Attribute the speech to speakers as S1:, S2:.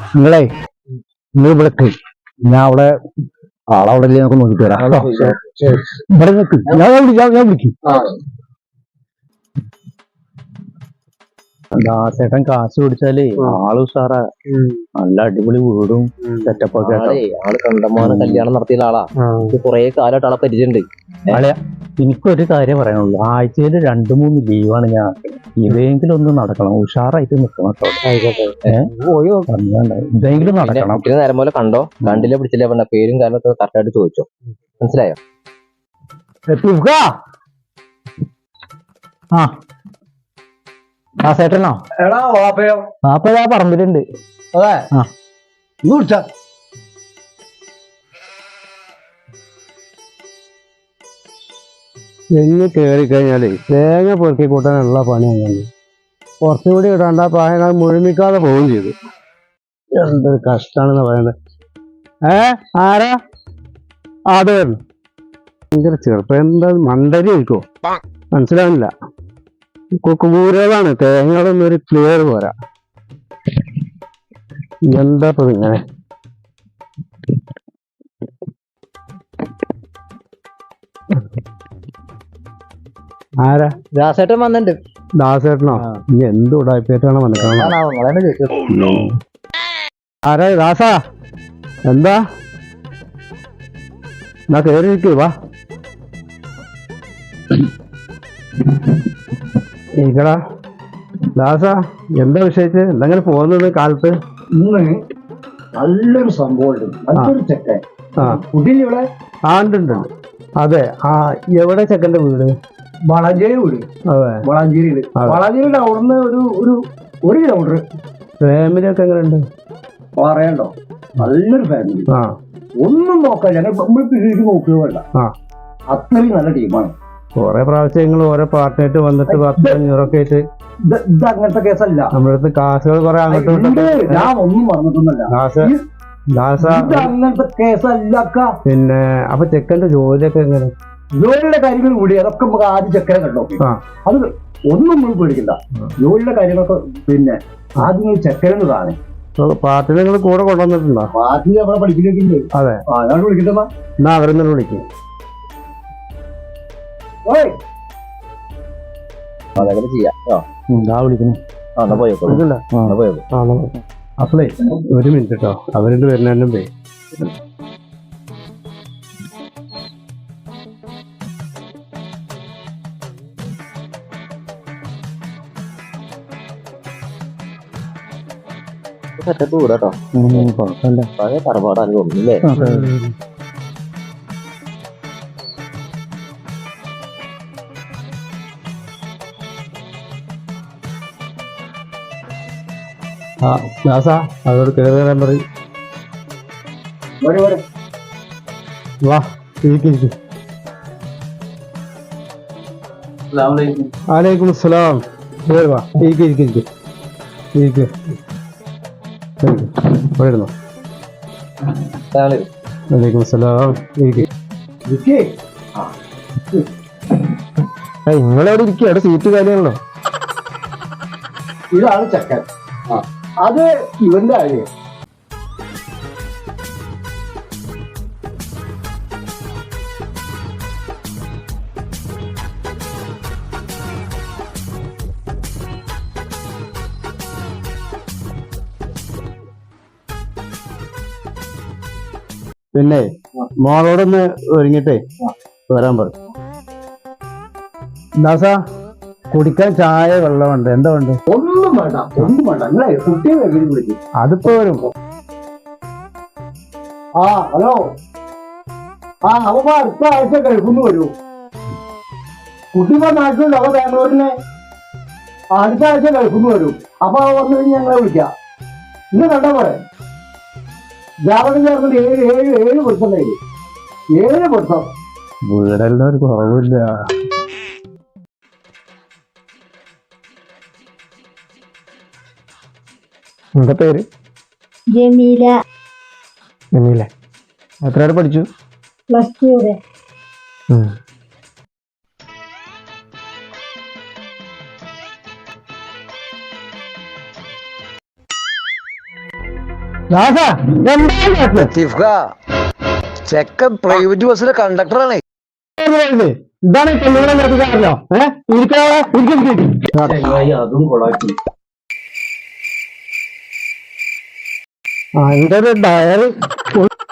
S1: നിങ്ങളെ നിങ്ങൾ ഇവിടെ ഞാൻ അവിടെ ആളവിടെ നമുക്ക് നോക്കിട്ട് വരാം ഇവിടെ നിൽക്ക് ഞാൻ വിളിക്കും ദാസേട്ടൻ കാശ് പിടിച്ചാലേ ആള് ഉഷാറാ നല്ല അടിപൊളി വീടും സെറ്റപ്പൊക്കെ
S2: ആള് കണ്ടമാനം കല്യാണം നടത്തിയ ആളാ കൊറേ കാലമായിട്ട് ആളെ പരിചയമുണ്ട്.
S1: ആളെ എനിക്കൊരു കാര്യം പറയാനുള്ളൂ, ആഴ്ചയിൽ 2-3 ലീവാണ് ഞാൻ. ഇതെങ്കിലും ഒന്ന് നടക്കണം, ഉഷാറായിട്ട് നിൽക്കണം ഇതെങ്കിലും നടക്കണം.
S2: നേരം പോലെ കണ്ടോ കണ്ടില്ല പിടിച്ചില്ല പറഞ്ഞ പേരും കാരണമൊക്കെ കറക്റ്റായിട്ട് ചോദിച്ചോ, മനസ്സിലായോ?
S1: ആ ചേട്ടനോ?
S3: എടാ വാപ്പയോ?
S1: വാപ്പ പറമ്പിലുണ്ട്.
S3: അതെ നീ കുടിച്ച
S1: തെങ്ങ് കയറി കഴിഞ്ഞാലേ തേങ്ങ പൊറുക്കി കൂട്ടാനുള്ള പണിയാണ്. കുറച്ചുകൂടി ഇടാണ്ട് ആ പ്രായം മുഴുമിക്കാതെ പോവുകയും ചെയ്തു. എന്തൊരു കഷ്ടാണെന്ന് പറയുന്നത്. ആരാ? അത് ഭയങ്കര ചെറുപ്പം. എന്താ മണ്ടരി ആയിക്കോ മനസ്സിലാവില്ല. കുക്കുപൂരകളാണ്, തേങ്ങകളൊന്നും ഒരു ക്ലിയർ പോരാ. എന്താ ഇപ്പൊ ഇങ്ങനെ? ആരാ?
S2: ദാസേട്ടൻ വന്നിട്ടുണ്ട്.
S1: ദാസേട്ടനോ? ഇനി എന്ത് ഉടായ്പേറ്റാണ് മനസ്സിലാവുന്നത്. ആരാ? ദാസാ എന്താ? എന്നാ കയറി ഇരിക്കൂ, വാ ഇരിക്കടാ. ദാസാ എന്താ വിഷയിച്ച് എന്തെങ്കിലും പോകുന്നത് കാലത്ത്?
S3: ഇന്ന് നല്ലൊരു സംഭവം നല്ലൊരു ചെക്കൻ കുട്ടിയിവിടെ
S1: ഉണ്ട്. അതെ, എവിടെ ചെക്കന്റെ വീട്?
S3: വളാഞ്ചേരി വീട്.
S1: അതെ,
S3: വളാഞ്ചേരിയില്. വളാഞ്ചേരിയുടെ അവിടുന്ന് ഒരു 1 കിലോമീറ്റർ.
S1: ഫാമിലി ഒക്കെ എങ്ങനെയുണ്ട്?
S3: പറയണ്ടോ, നല്ലൊരു ഫാമിലി. ഒന്നും നോക്കാൻ നമ്മൾ പിന്നീട് നോക്കുക വേണ്ട, അത്രയും നല്ല ടീമാണ്.
S1: കൊറേ പ്രാവശ്യങ്ങൾ ഓരോ പാർട്ടിയായിട്ട് വന്നിട്ട് 1000-500 ആയിട്ട്.
S3: ഇത് അങ്ങനത്തെ കേസല്ല.
S1: നമ്മുടെ അടുത്ത് കാശുകൾ കുറെ അങ്ങോട്ട്
S3: ഞാൻ ഒന്നും പറഞ്ഞിട്ടൊന്നുമല്ല. അങ്ങനത്തെ കേസല്ല.
S1: പിന്നെ അപ്പൊ ചെക്കന്റെ ജോലിയൊക്കെ എങ്ങനെ?
S3: ജോലിയുടെ കാര്യങ്ങൾ കൂടി അതൊക്കെ നമുക്ക് ആദ്യം ചെക്കനെ കണ്ടോ. അത് ഒന്നും നമ്മൾ പേടിക്കണ്ട. ജോലിയുടെ കാര്യങ്ങളൊക്കെ പിന്നെ ആദ്യം ചെക്കനെന്ന് കാണേ.
S1: പാർട്ടി നിങ്ങൾ കൂടെ കൊണ്ടുവന്നിട്ടുണ്ടോ?
S3: പാർട്ടി നമ്മളെ പഠിപ്പിക്കുന്നുണ്ട്.
S1: അതെ,
S3: ഞാൻ വിളിക്കട്ടെ.
S1: എന്നാ അവരെന്നെ വിളിക്കും.
S2: അതങ്ങനെ ചെയ്യാം.
S1: വിളിക്കുന്നു. അപ്പളേ 1 മിനിറ്റ് കേട്ടോ, അവരുണ്ട് വരുന്നതിനും പോയി.
S2: ദൂരട്ടോ
S1: കുഴപ്പമില്ല.
S2: പഴയ തറവാടാണ് തോന്നുന്നില്ലേ?
S1: ദാസാ അതോട് കയറി വരാൻ പറയും. വാ ഇരിക്കും. വലൈക്കും അസ്സലാം. വാ ഇരിക്കും. പോയിരുന്നോ? വലൈക്കും അസ്സലാം. നിങ്ങളെവിടെ ഇരിക്കുക? അവിടെ സീറ്റ് കാര്യമാണല്ലോ.
S3: ഇതാണ് ചക്കൻ. അത് ഇവന്റെ കാര്യം.
S1: പിന്നെ മോളോടൊന്ന് ഒരുങ്ങിട്ടേ വരാൻ പറ. ദാസാ കുടിക്കാൻ ചായ വെള്ളമുണ്ട്, എന്താ വേണ്ട?
S3: ഒന്നും വേണ്ട. നിങ്ങളെ കുട്ടിയെ വിളിക്കും.
S1: അതിപ്പോ വരും.
S3: ഹലോ. അവ അടുത്ത ആഴ്ച കഴിക്കുന്നു വരൂ. കുട്ടിമാർ നാട്ടിലുണ്ട്. അവ ബാംഗ്ലൂരിനെ അടുത്ത ആഴ്ച കഴിക്കുന്നു വരും. അപ്പൊ വന്നു കഴിഞ്ഞ് ഞങ്ങളെ വിളിക്കാം. ഇന്ന് കണ്ടാ പോലെ ജാതകം ചേർന്നിട്ട് 7 പൊരുത്തം കഴിഞ്ഞു. 7 പൊരുത്തം.
S1: വീടെല്ലാം ഒരു കുറവില്ല. എന്താ പേര്?
S4: ജമീല.
S1: എത്ര വരെ പഠിച്ചു?
S4: +2 വരെ.
S1: ദാസാ, എന്താണ് കാട്ടുന്നത്?
S3: ലത്തീഫ്ക, ചെക്കൻ പ്രൈവറ്റ് ബസ്സിലെ കണ്ടക്ടറാണേ.
S1: ഇതാണ് ഈ പെണ്ണുങ്ങളെ നിർത്തിക്കാറില്ലോ.
S3: അതും കൊളാക്കി.
S1: എന്റെ ഒരു ഡയറി